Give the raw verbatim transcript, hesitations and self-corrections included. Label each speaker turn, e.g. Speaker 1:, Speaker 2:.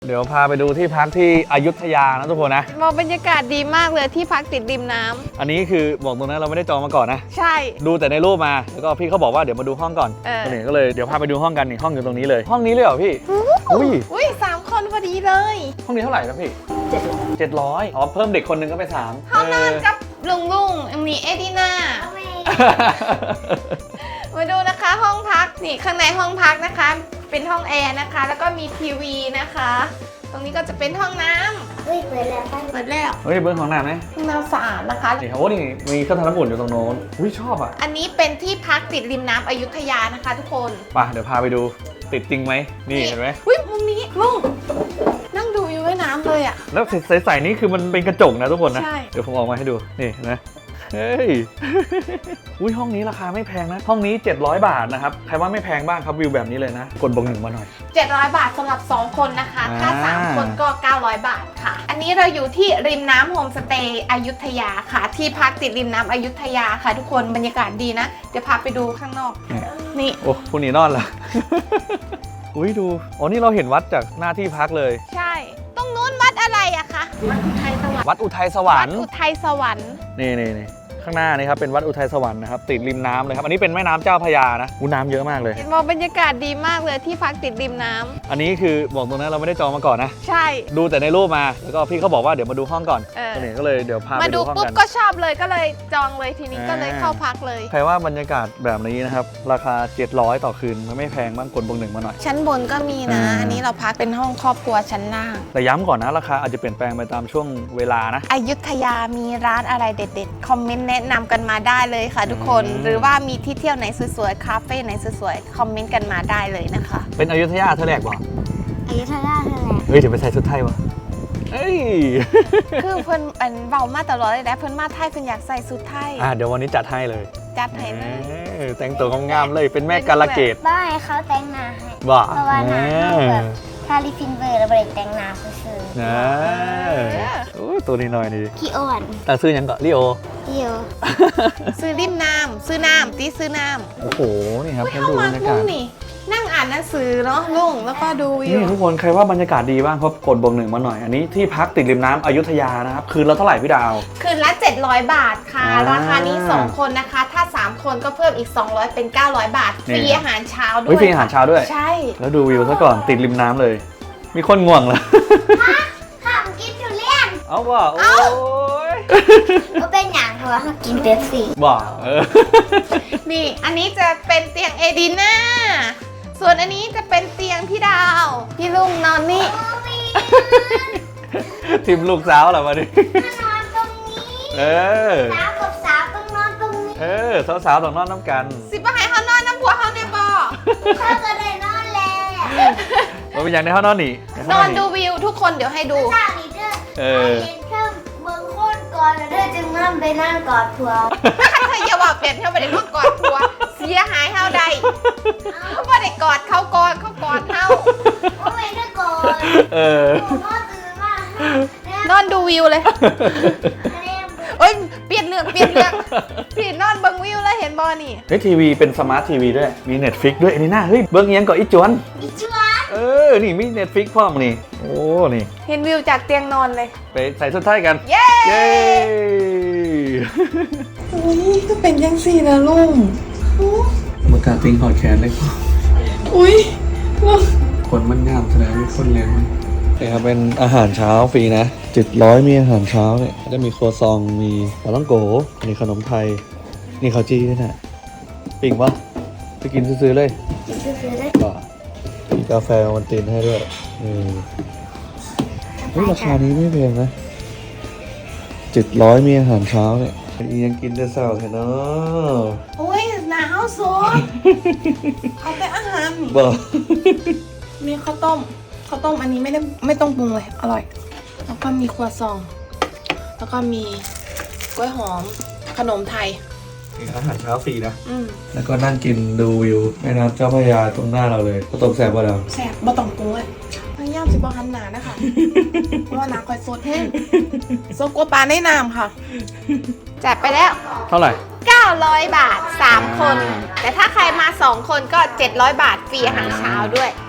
Speaker 1: เดี๋ยวพาไปดูที่พักที่อยุธยานะทุกคนนะ
Speaker 2: มองบรรยากาศดีมากเลยที่พักติดริมน้ำ
Speaker 1: อันนี้คือบอกตรงนั้นเราไม่ได้จองมาก่อนนะ
Speaker 2: ใช่
Speaker 1: ดูแต่ในรูปมาแล้วก็พี่เขาบอกว่าเดี๋ยวมาดูห้องก่อนนี่ก็เลยเดี๋ยวพาไปดูห้องกันนี่ห้องอยู่ตรงนี้เลยห้องนี้เลยเหรอพี่
Speaker 2: อุ้ยอุ้ยสามคนพอดีเลย
Speaker 1: ห้องนี้เท่าไหร่ครับพี่เจ็ดร้อยเจ็ดร้อยอ๋อเพิ่มเด็กคนนึงก็เป็นสาม
Speaker 2: ห้องนอนกับลุงลุงมีเอดีน่ามาดูนะคะห้องพักนี่ข้างในห้องพักนะคะเป็นห้องแอร์นะคะแล้วก็มีทีวีนะคะตรงนี้ก็จะเป็นห้องน้ำเฮ้ยเปิดแล้วเปิดแล้ว
Speaker 1: เฮ้ยเบิ้งของน้ำไหม
Speaker 2: ห้องน้ำสะอาดนะคะ
Speaker 1: นี่โอ้นี่มีเครื่องทำน้ำอุ่นอยู่ตรงโน้นอุ้ยชอบอ่ะ
Speaker 2: อันนี้เป็นที่พักติดริมน้ำอยุธยานะคะทุกคน
Speaker 1: ไปเดี๋ยวพาไปดูติดจริงไหมนี่เห็นไหม
Speaker 2: อุ้ยมุมนี้ลุงนั่งดูอยู่ว่ายน้ำเลยอ่ะ
Speaker 1: แล้วใสๆนี่คือมันเป็นกระจกนะทุกคนนะ
Speaker 2: ใช่
Speaker 1: เดี๋ยวผมออกมาให้ดูนี่นะเฮ้ยอุ้ยห้องนี้ราคาไม่แพงนะห้องนี้เจ็ดร้อยบาทนะครับใครว่าไม่แพงบ้างครับวิวแบบนี้เลยนะกดบงหนึ่งมาหน่อย
Speaker 2: เจ็ดร้อยบาทสำหรับสองคนนะคะถ้าสามคนก็เก้าร้อยบาทค่ะอันนี้เราอยู่ที่ริมน้ำโฮมสเตย์อยุธยาค่ะที่พักติดริมน้ำอยุธยาค่ะทุกคนบรรยากาศดีนะเดี๋ยวพาไปดูข้างนอกนี่
Speaker 1: โอ้คุณหนีนอนละอุ้ยดูอ๋อนี่เราเห็นวัดจากหน้าที่พักเลย
Speaker 2: ใช่ตรงนู้นวัดอะไรอะคะวัดอุทัยสวรรค์
Speaker 1: วัดอุทัยสวรรค์
Speaker 2: วัดอุทัยสวรรค์
Speaker 1: นี่นี่นี่ข้างหน้านี่ครับเป็นวัดอุทัยสวรรค์นะครับติดริมน้ำเลยครับอันนี้เป็นแม่น้ำเจ้าพระยานะอู้น้ำเยอะมากเลย
Speaker 2: มองบรรยากาศดีมากเลยที่พักติดริมน้ำ
Speaker 1: อันนี้คือบอกตรงนั้นเราไม่ได้จองมาก่อนนะ
Speaker 2: ใช่
Speaker 1: ดูแต่ในรูปมาแล้วก็พี่เขาบอกว่าเดี๋ยวมาดูห้องก่อนนี่ก็เลยเดี๋ยวพาไปดูห้องกันมาดู
Speaker 2: ปุ๊บก็ชอบเลยก็เลยจองเลยทีนี้ก็เลยเข้าพักเลย
Speaker 1: ใครว่าบรรยากาศแบบนี้นะครับราคาเจ็ดร้อยต่อคืนมันไม่แพงบ้างกดบงหนึ่งมาหน่อย
Speaker 2: ชั้นบนก็มีนะอันนี้เราพักเป็นห้องครอบครัวชั้นล่าง
Speaker 1: แต่ย้ำก่อนนะราคาอาจจะเปลี่ยนแปลงไปตามช่วงเวลานะ
Speaker 2: อยุธยามีร้านอะไรเด็ดๆคอมเมนต์แนะนำกันมาได้เลยค่ะทุกคนหรือว่ามีที่เที่ยวไหนสวยๆคาเฟ่ไหนสวยๆคอมเมนต์กันมาได้เลยนะคะ
Speaker 1: เป็นอยุธยาเธอแหลกบ่
Speaker 3: อยุธยาเธอแหลก
Speaker 1: เฮ้ยเดี๋ยวไปใส่ชุดไทยวะเอ้ย
Speaker 2: คือเพิ่นอันเบามาตลอดเลยนะเพิ่นมาไทยเพิ่นอยากใส่ชุดไทย
Speaker 1: อ่ะเดี๋ยววันนี้จัดให้เลย
Speaker 2: จัดให้เลย
Speaker 1: แต่งตัวงามๆเลยเป็นแม่กาลเกต
Speaker 3: บ้าให้เขาแต่งหน้าให้
Speaker 1: บ้า
Speaker 3: เพราะว่าหน้าเขาแบบทาลิฟินเวอร์แล้วบริแต่งหน้าซื่อๆ
Speaker 1: นะโอ้ตัวนี้หน่อยนี่
Speaker 3: ขี้อ่อน
Speaker 1: แต่ซื้อยังก่อนลิโอ
Speaker 3: ลิโอ
Speaker 2: ซื้อริมน้ำซื้อน้ำตีซื้อน้ำ
Speaker 1: โอ้โหนี่ครับให้ดูบรรยากาศ
Speaker 2: นั่งอ่านหนังสือเนาะลุงแล้วก็ดูวิว
Speaker 1: นี่ทุกคนใครว่าบรรยากาศดีบ้างครับกดบวกหนึ่งมาหน่อยอันนี้ที่พักติดริมน้ำอยุธยานะครับคืนละเท่าไหร่พี่ดาว
Speaker 2: คืนละเจ็ดร้อยบาทค่ะราคานี้สองคนนะคะถ้าสามคนก็เพิ่มอีกสองร้อยเป็นเก้าร้อยบาทฟรีอาหารเช้าด้วย
Speaker 1: ฟรีอาหารเช้าด้วย
Speaker 2: ใช่
Speaker 1: แล้วดูวิวซะก่อนติดริมน้ำเลยมีคนง่วงเหรอ
Speaker 3: ข้ามกินทุเรียน
Speaker 1: เอาว่าโอ้ย
Speaker 3: ก็เป็นอย่างเพราะว่ากินเป๊ปซี่
Speaker 1: ว่า
Speaker 2: นี่อันนี้จะเป็นเตียงเอดีน่าส่วนอันนี้จะเป็นเตียงพี่ดาวพี่ลุงนอนนี่
Speaker 1: ทีมลูกสาวเหรอมาดิ
Speaker 3: นอนตรงนี้
Speaker 1: เออ
Speaker 3: สาวกับสาวต้องนอนตรงนี้
Speaker 1: เออสาวๆต้องนอนน้ำกัน
Speaker 2: สิบให้เขานอนน้ำผัวเขาในบ่อ
Speaker 3: เขาก็ได้นอนแล้ว
Speaker 1: มันเป็นอย่างในห้องนอนนี่
Speaker 2: นอนดูวิวทุกคนเดี๋ยวให้ดู
Speaker 3: เออเห็นแค่เมืองโคตรก่อนแล้วเธอจึงนั่งไปนั่งกอดผัว
Speaker 2: ถ้าอย่าว่าเปลี่ยนเขาไปได้กอดผัวเสียหายเท่าใดเขาไม่ได้กอดเขากอดเขากอดเท่า
Speaker 3: เขาไม่ได้กอด
Speaker 1: เออ
Speaker 2: อนอนดูวิวเลยเอ้ยเปลี่ยนเรื่องเปลี่ยนเรื่องพี่นอนเบิ้งวิวแล้วเห็นบอนี่
Speaker 1: เฮ้ยทีวีเป็นสมาร์ททีวีด้วยมี Netflix ด้วยอันนี้น่าเฮ้ยเบิ้งยังก่อนอีจวน
Speaker 3: อีจวน
Speaker 1: เออนี่มี Netflix พร้อมนี่โอ้นี่
Speaker 2: เห็นวิวจากเตียงนอนเลย
Speaker 1: ไปใส่สุดท้ายกัน
Speaker 2: เย้
Speaker 1: เย้
Speaker 2: อุ้ยก็เป็นยังสี่นะลุง
Speaker 1: มากาติงหอดแขนเลย
Speaker 2: อุ้ย
Speaker 1: คนมันงามแสดงมีคนเลี้ยงนี่ครับเป็นอาหารเช้าฟรีนะเจ็ดร้อยมีอาหารเช้าเนี่ยจะมีครัวซองมีปลาล่องโกมีขนมไทยนี่ข้าวจี้ด้วยนะปิ่งวะไปกินซื้อๆเลย
Speaker 3: ซื้อๆเลย
Speaker 1: ก็มีกาแฟวันตินให้ด้วยนี่ราคานี้ไม่แพงนะเจ็ดร้อยมีอาหารเช้าเนี่ยยังกินแต่เช้าแค่เนาะ
Speaker 2: โอ้ยหนาวสุดเอาแต่อาหาร
Speaker 1: บ่
Speaker 2: มีข้าวต้มข้าวต้มอันนี้ไม่ได้ไม่ต้องปรุงเลยอร่อยแล้วก็มีครัวซองแล้วก็มีกล้วยหอมขนมไทย
Speaker 1: อาหารเช้าฟรีนะแล้วก็นั่งกินดูวิวแม่น้ำเจ้าพระยาตรงหน้าเราเลยข้าวต้มแซ่บบ่เรา
Speaker 2: แซ่บบ่ต้องปรุงเลยพยายามสิบ่หันหนานะคะเพราะว่าน้ำคอยสดแห้งโซโกปลาในน้ำค่ะจัดไปแล้ว
Speaker 1: เท่าไหร่
Speaker 2: เก้าร้อยบาทสามคนแต่ถ้าใครมาสองคนก็เจ็ดร้อยบาทฟรีอาหารเช้าด้วย